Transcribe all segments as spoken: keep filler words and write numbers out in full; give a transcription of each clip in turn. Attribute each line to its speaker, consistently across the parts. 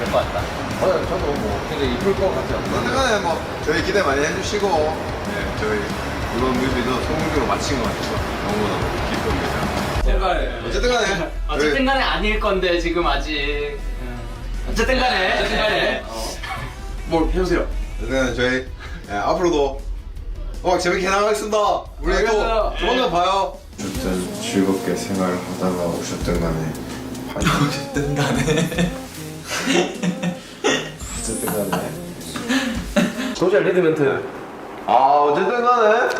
Speaker 1: 것 같다.
Speaker 2: 맞아요. 저도 뭐 굉장히 이쁠 것 같아요. 어쨌든 뭐 저희 기대 많이 해주시고 네, 저희 이번 뮤비도 성공적으로 마친 것 같아서 너무너무 기쁩니다.
Speaker 1: 제발.
Speaker 2: 어쨌든 간에
Speaker 1: 어쨌든 간에 아닐 건데 지금 아직. 어쨌든 간에. 어쨌든 간에.
Speaker 2: 뭘 해주세요. 어쨌든 간에 저희 네, 앞으로도 음악 재밌게 나가겠습니다. 우리 또 조만간 봐요.
Speaker 3: 어쨌든 즐겁게 생활하다가 오셨든 간에
Speaker 4: 어쨌든 간에
Speaker 3: 어쨌든 간에
Speaker 5: 소셜 리드멘트.
Speaker 2: 아 어쨌든 간에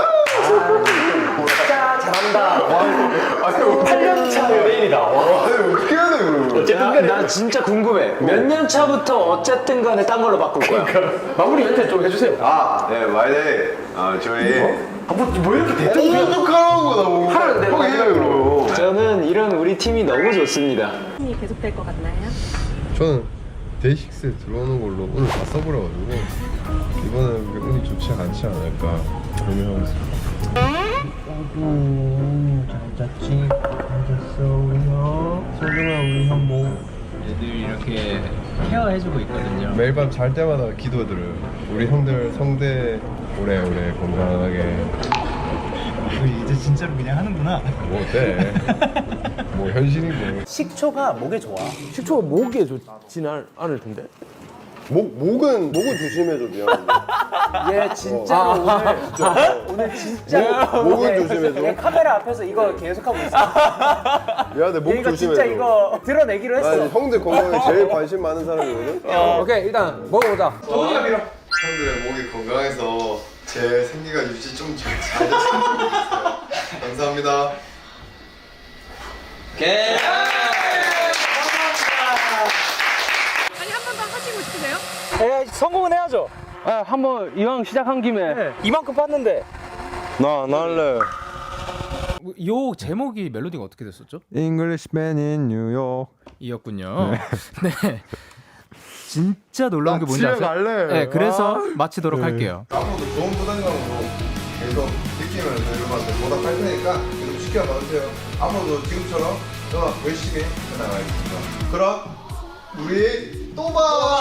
Speaker 5: 진짜 잘한다. 팔 년 차 연예인이다. 와.
Speaker 2: 아니 어떻게 해야 돼 그러면.
Speaker 5: 어쨌든 간에 나 진짜 궁금해. 몇 년 차부터 어쨌든 간에 딴 걸로 바꿀 거야? 마무리 멘트 좀 해주세요.
Speaker 2: 아, 네, 마이데이. 아, 저희.
Speaker 5: 아, 뭐, 뭐 이렇게 대충
Speaker 2: 어떡하라는 거다, 뭐.
Speaker 5: 하는데,
Speaker 2: 형 해요, 그러면.
Speaker 5: 저는 이런 우리 팀이 너무 좋습니다.
Speaker 6: 이 계속될 것 같나요?
Speaker 3: 저는 데이식스에 들어오는 걸로 오늘 다 써버려가지고 이번엔 그게 운이 좋지 않지 않을까 고민하고 있습니다. 잘 잤지? 잘 잤어 우리 형? 소중한 우리 형 뭐?
Speaker 1: 애들 이렇게 케어해주고 있거든요.
Speaker 3: 매일 밤 잘 때마다 기도드려요. 우리 형들 성대 오래오래 건강하게.
Speaker 4: 이제 진짜로 그냥 하는구나.
Speaker 3: 뭐 어때? 뭐 현실이고.
Speaker 5: 식초가 목에 좋아. 식초가 목에 좋지는 않을 텐데.
Speaker 3: 목 목은 목은 조심해줘 미안한데.
Speaker 5: 얘 진짜 오늘 오늘 진짜
Speaker 3: 목은 조심해줘.
Speaker 5: 얘 카메라 앞에서 이거 계속하고 있어.
Speaker 3: 미안해 목
Speaker 5: 이거
Speaker 3: 조심해줘.
Speaker 5: 진짜 이거 드러내기로 했어.
Speaker 3: 아니, 형들 건강에 제일 관심 많은 사람이거든.
Speaker 5: 어, 오케이 일단 먹어보자.
Speaker 2: 형들의 목이 건강해서 제 생기가 유지 좀 잘 됐으면 좋겠어요. 감사합니다.
Speaker 1: 오케이.
Speaker 6: 아니 한 번 더 하시고 싶으세요?
Speaker 5: 에 성공은 해야죠. 아, 한번 이왕 시작한 김에 이만큼 팠는데.
Speaker 3: 나 날래.
Speaker 7: 요 제목이 멜로디가 어떻게 됐었죠?
Speaker 3: Englishman in New York.
Speaker 7: 이었군요. 네. 진짜 놀라운 게 뭔지 아세요?
Speaker 3: 갈래.
Speaker 7: 네, 그래서
Speaker 3: 아.
Speaker 7: 마치도록
Speaker 3: 네.
Speaker 7: 할게요.
Speaker 2: 앞으로도 좋은 부담감으로 계속 느끼면서 여러분한테 보답할 테니까 계속 지켜봐 주세요. 앞으로도 지금처럼 더 열심히 해나가겠습니다. 그럼 우리 또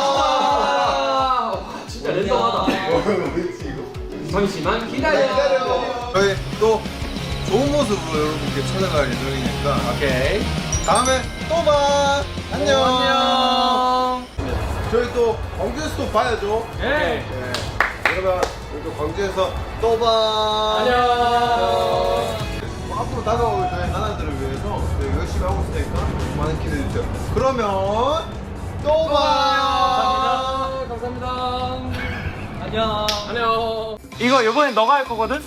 Speaker 2: 봐!
Speaker 1: 진짜 랜덤하다.
Speaker 2: 우리 지금
Speaker 1: 잠시만 기다려.
Speaker 2: 저희 또 좋은 모습으로 여러분께 찾아갈 예정이니까
Speaker 1: 오케이.
Speaker 2: 다음에 또 봐. 안녕.
Speaker 1: 안녕.
Speaker 2: 저희 또 광주에서 또 봐야죠.
Speaker 1: 네.
Speaker 2: 네. 여러분 우리 또 광주에서 또 봐.
Speaker 1: 안녕.
Speaker 2: 뭐 앞으로 다가올 저희 하나들을 위해서 저희 열심히 하고 있으니까 많은 기대해 주세요. 그러면 또 봐.
Speaker 1: 감사합니다. 감사합니다. 안녕. 안녕.
Speaker 5: 이거 이번엔 너가 할 거거든?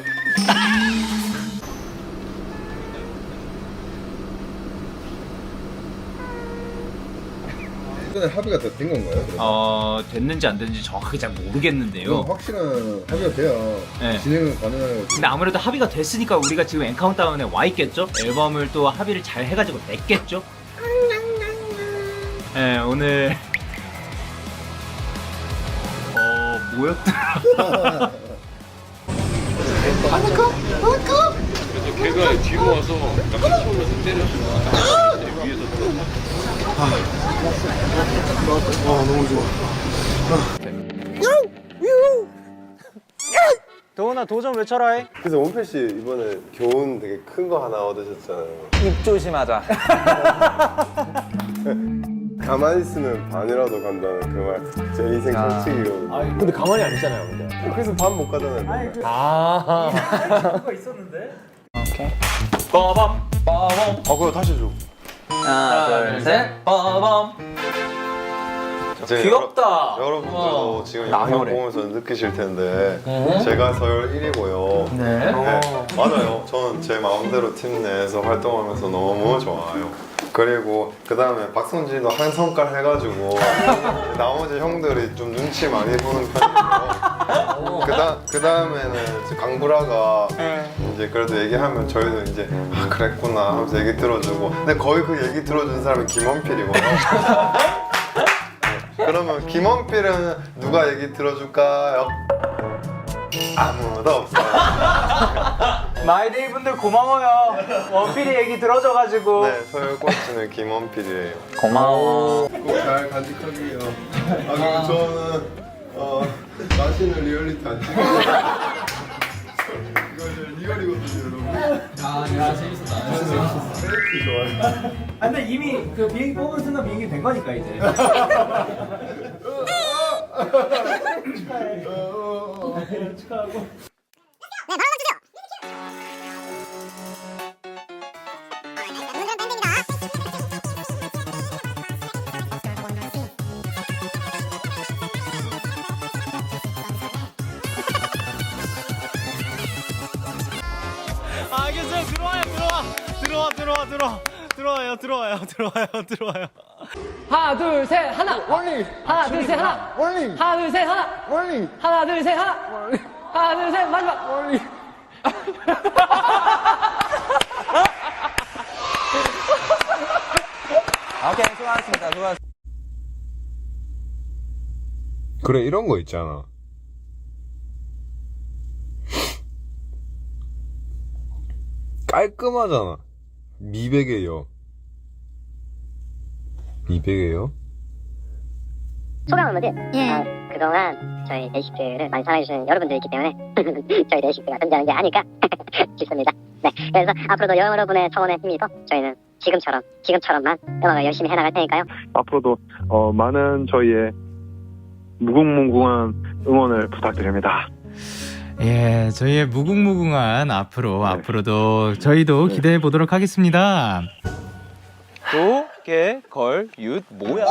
Speaker 3: 이번에 합의가 다 된 건가요? 그럼?
Speaker 4: 어 됐는지 안 됐는지 정확하게 잘 모르겠는데요.
Speaker 3: 그럼 확실한 합의가 돼야
Speaker 4: 네.
Speaker 3: 진행은 가능해요.
Speaker 4: 근데 아무래도 합의가 됐으니까 우리가 지금 엔카운트다운에 와 있겠죠? 앨범을 또 합의를 잘 해가지고 냈겠죠? 네 오늘 어 뭐였더라?
Speaker 8: 걔가 뒤로 와서 약간 처음에서 때렸어. 위에서
Speaker 5: 도훈아 도전 외쳐라 해.
Speaker 3: 그래서 원필 씨 이번에 교훈 되게 큰 거 하나 얻으셨잖아요.
Speaker 5: 입 조심하자.
Speaker 3: 가만히 있으면 반이라도 간다는 그 말 제 인생 철칙이거든요.
Speaker 5: 근데 가만히 안 있잖아요 근데.
Speaker 3: 그래서 반 못 가잖아요.
Speaker 5: 아. 그거 있었는데. 오케이. 빠밤 빠밤.
Speaker 3: 아 그거 다시 줘.
Speaker 1: 하나, 둘, 셋. 빠밤.
Speaker 3: 이제
Speaker 5: 귀엽다.
Speaker 3: 여러, 여러분들도 지금 영상
Speaker 5: 나열해.
Speaker 3: 보면서 느끼실 텐데 제가 서열 일 위고요.
Speaker 1: 네.
Speaker 3: 맞아요. 저는 제 마음대로 팀 내에서 활동하면서 너무 좋아요. 그리고 그 다음에 박성진도 한 성깔 해가지고 나머지 형들이 좀 눈치 많이 보는 편이고 그다 그 다음에는 강브라가 이제 그래도 얘기하면 저희도 이제 아 그랬구나 하면서 얘기 들어주고 근데 거의 그 얘기 들어준 사람이 김원필이거든요. 그러면 김원필은 누가 얘기 들어줄까요? 아무도 없어요.
Speaker 5: 마이데이 분들 고마워요. 원필이 얘기 들어줘가지고.
Speaker 3: 네, 서열 꼴찌는 김원필이에요.
Speaker 5: 고마워.
Speaker 3: 꼭 잘 간직하게요. 아 그리고 저는 어 자신을 리얼리티 안 찍어요. 이거 이제 리얼이거든요, 여러분. 아, 야 재밌었다. 재밌었어. 페이크 좋아요.
Speaker 4: 아, 근데 이미 그 비행기 뽑은 순간 비행기 된 거니까 이제. 축하하고.
Speaker 7: 알겠어요. 들어와요. 들어와. 들어와 들어와 들어와. 들어와요. 들어와요. 들어와요. 들어와요.
Speaker 5: 하나, 둘, 셋, 하나.
Speaker 2: 원리.
Speaker 5: 하나, 둘, 셋, 하나.
Speaker 2: 원리.
Speaker 5: 하나, 둘, 셋, 하나.
Speaker 2: 원리.
Speaker 5: 하나, 둘, 셋, 하나. 하나, 둘, 셋, 마지막.
Speaker 2: 원리.
Speaker 5: 오케이, 수고하셨습니다. 수고하셨습니다.
Speaker 3: 그래 이런 거 있잖아. 깔끔하잖아. 미백이에요. 미백이에요?
Speaker 9: 소감은 뭐지? 예. 어, 그동안 저희 데이식스를 많이 사랑해주시는 여러분들이 있기 때문에 저희 데이식스가 존재하는 게 아닐까 싶습니다. 네. 그래서 앞으로도 여러분의 청원에 힘입어 저희는 지금처럼, 지금처럼만 음악을 열심히 해나갈 테니까요.
Speaker 10: 앞으로도 어, 많은 저희의 무궁무궁한 응원을 부탁드립니다.
Speaker 7: 예, 저희의 무궁무궁한 앞으로
Speaker 10: 네.
Speaker 7: 앞으로도 저희도 기대해 보도록 하겠습니다.
Speaker 5: 도, 개, 걸, 윷, 뭐야?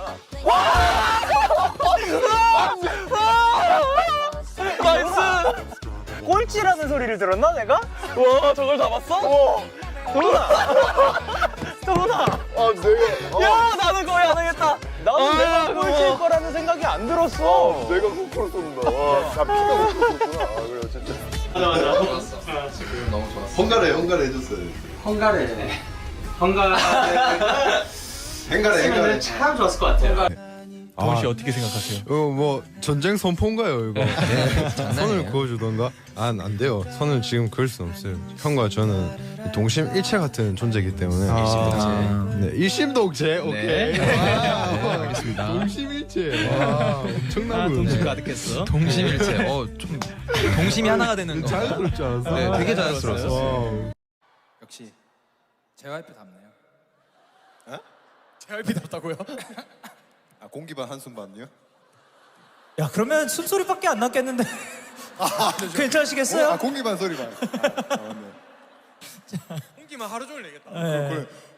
Speaker 5: 나이스! 꼴찌라는 소리를 들었나 내가? 와 저걸 다 봤어? 도훈아! 도훈아!
Speaker 3: 아 내가
Speaker 5: 야 나는 거의 안 하겠다. 나는 내가 꼴찌일 거라는 생각이 안 들었어.
Speaker 3: 내가 코코로 쏜다. 와, 나 피가 코코로 쏜구나. 아 그래 진짜.
Speaker 1: 맞아 맞아.
Speaker 2: 지금 너무 좋았어. 헝가래 헝가래 해줬어요.
Speaker 1: 헝가래. 헝가래.
Speaker 2: 헝가래 헝가래.
Speaker 1: 했으면 참 좋았을 것 같아요.
Speaker 7: 도훈 씨 어떻게 생각하세요?
Speaker 3: 이거 뭐 전쟁 선포인가요 이거? 선을 그어주던가? 안, 안 돼요. 선을 지금 그을 수 없어요. 형과 저는 동심일체 같은 존재이기 때문에
Speaker 7: 아.
Speaker 3: 네, 일심동체 오케이.
Speaker 7: 네, 알겠습니다.
Speaker 3: 동심일체. 와 엄청나고.
Speaker 7: 동심 가득했어.
Speaker 11: 동심일체. 어, 좀 동심이 하나가 되는 거.
Speaker 3: 자연스럽지 않았어?
Speaker 11: 네, 되게 자연스러웠어요.
Speaker 3: 와.
Speaker 11: 역시 제이와이피답네요. 어? 제이와이피답다고요?
Speaker 2: 아 공기반 한숨 반요?
Speaker 7: 야, 그러면 숨소리밖에 안 났겠는데. 괜찮으시겠어요?
Speaker 2: 아 공기반 소리반. 아, 네.
Speaker 11: 공기만 하루 종일 내겠다.
Speaker 7: 네.
Speaker 2: 그래.